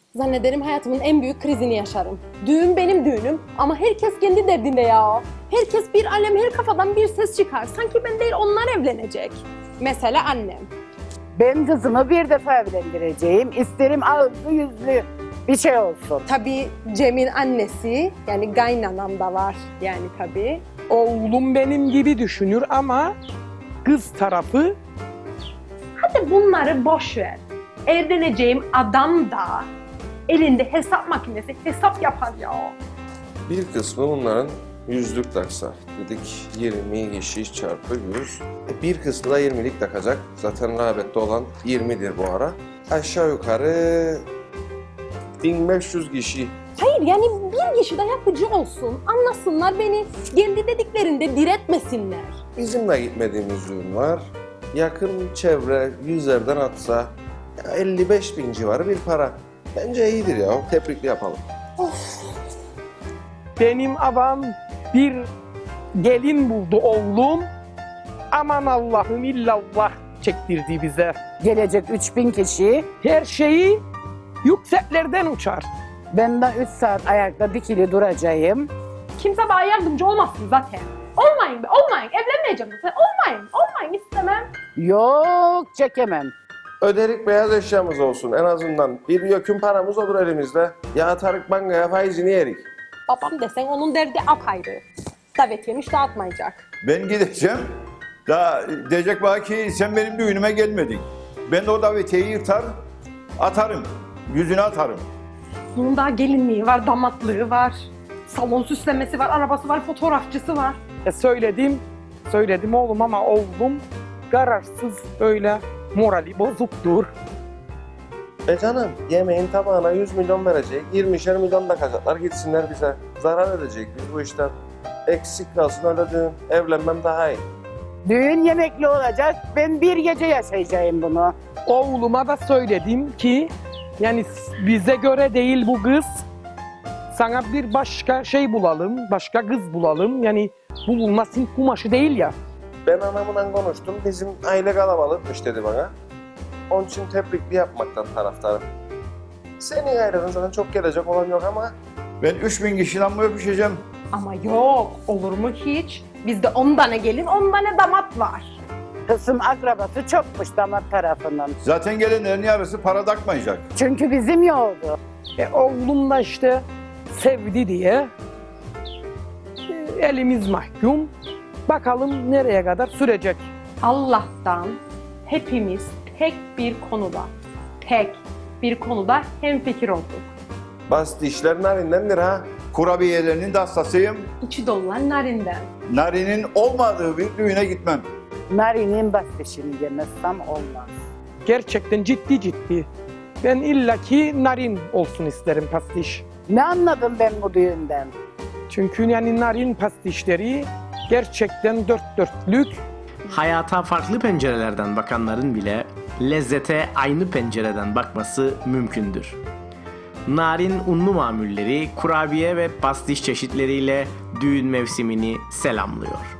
Zannederim hayatımın en büyük krizini yaşarım. Düğün benim düğünüm ama herkes kendi derdinde ya. Herkes bir alem, her kafadan bir ses çıkar. Sanki ben değil onlar evlenecek. Mesela annem. Ben kızımı bir defa evlendireceğim. İsterim ağızlı yüzlü bir şey olsun. Tabii Cem'in annesi, yani kaynanam da var yani tabii. Oğlum benim gibi düşünür ama kız tarafı Hadi bunları boş ver. Evleneceğim adam da elinde hesap makinesi hesap yapar ya. Bir kısmı bunların yüzlük taksa. Dedik 20 kişi çarpı 100. Bir kısmı da 20'lik takacak. Zaten rağbette olan 20'dir bu ara. Aşağı yukarı 1500 kişi. Hayır yani bir kişi de yapıcı olsun. Anlasınlar beni. Kendi dediklerinde diretmesinler. Bizim de gitmediğimiz düğün var. Yakın çevre 100'lerden atsa 55 bin civarı bir para. Bence iyidir ya. Tebrikli yapalım. benim adam bir gelin buldu oğlum. Aman Allah'ım illallah çektirdi bize. Gelecek 3000 kişi. Her şeyi yükseklerden uçar. Ben de 3 saat ayakta dikili duracağım. Kimse bana yardımcı olmasın zaten. Olmayın be, olmayın. Evlenmeyeceğim zaten. Olmayın istemem. Yok çekemem. Öderik beyaz eşyamız olsun en azından. Bir yökün paramız olur elimizde. Ya atarık bankaya faizini yerik. Babam desen onun derdi apayrı. Davetiyemiş dağıtmayacak. Ben gideceğim. Daha diyecek bana ki sen benim düğünüme gelmedin. Ben de o davetiyeyi yırtar, atarım. Yüzüne atarım. Bunun daha gelinliği var, damatlığı var. Salon süslemesi var, arabası var, fotoğrafçısı var. Söyledim oğlum ama oğlum kararsız böyle morali bozuktur. Canım yemeğin tabağına 100 milyon verecek. 20'şer milyon da kazacaklar gitsinler bize. Zarar edecek biz bu işten. Eksik kalsın öyle düğün. Evlenmem daha iyi. Düğün yemekli olacak. Ben bir gece yaşayacağım bunu. Oğluma da söyledim ki yani bize göre değil bu kız. Sana bir başka şey bulalım, başka kız bulalım. Yani bu bulmasın kumaşı değil ya. Ben anamla konuştum. Bizim aile kalabalıkmış dedi bana. Onun için tebrikli yapmaktan taraftarım. Senin ailenin zaten çok gelecek olan yok ama Ben 3000 kişiden mi öpüşeceğim? Ama yok, olur mu hiç? Bizde 10 tane gelin, 10 tane damat var. Kısım akrabası çokmuş damat tarafının. Zaten gelenlerin yarısı para takmayacak. Çünkü bizim yoktu. Oğlum da işte sevdi diye elimiz mahkum. Bakalım nereye kadar sürecek. Allah'tan hepimiz tek bir konuda hemfikir olduk. bas dişler narindendir ha. Kurabiyelerinin de hastasıyım. İçi dolulan narinden. Narinin olmadığı bir düğüne gitmem. Narinin bastışını yemezsem olmaz. Gerçekten ciddi. Ben illaki narin olsun isterim pastiş. Ne anladım ben bu düğünden? Çünkü yani narin pastişleri gerçekten dört dörtlük. Hayata farklı pencerelerden bakanların bile lezzete aynı pencereden bakması mümkündür. Narin unlu mamulleri, kurabiye ve pastiş çeşitleriyle düğün mevsimini selamlıyor.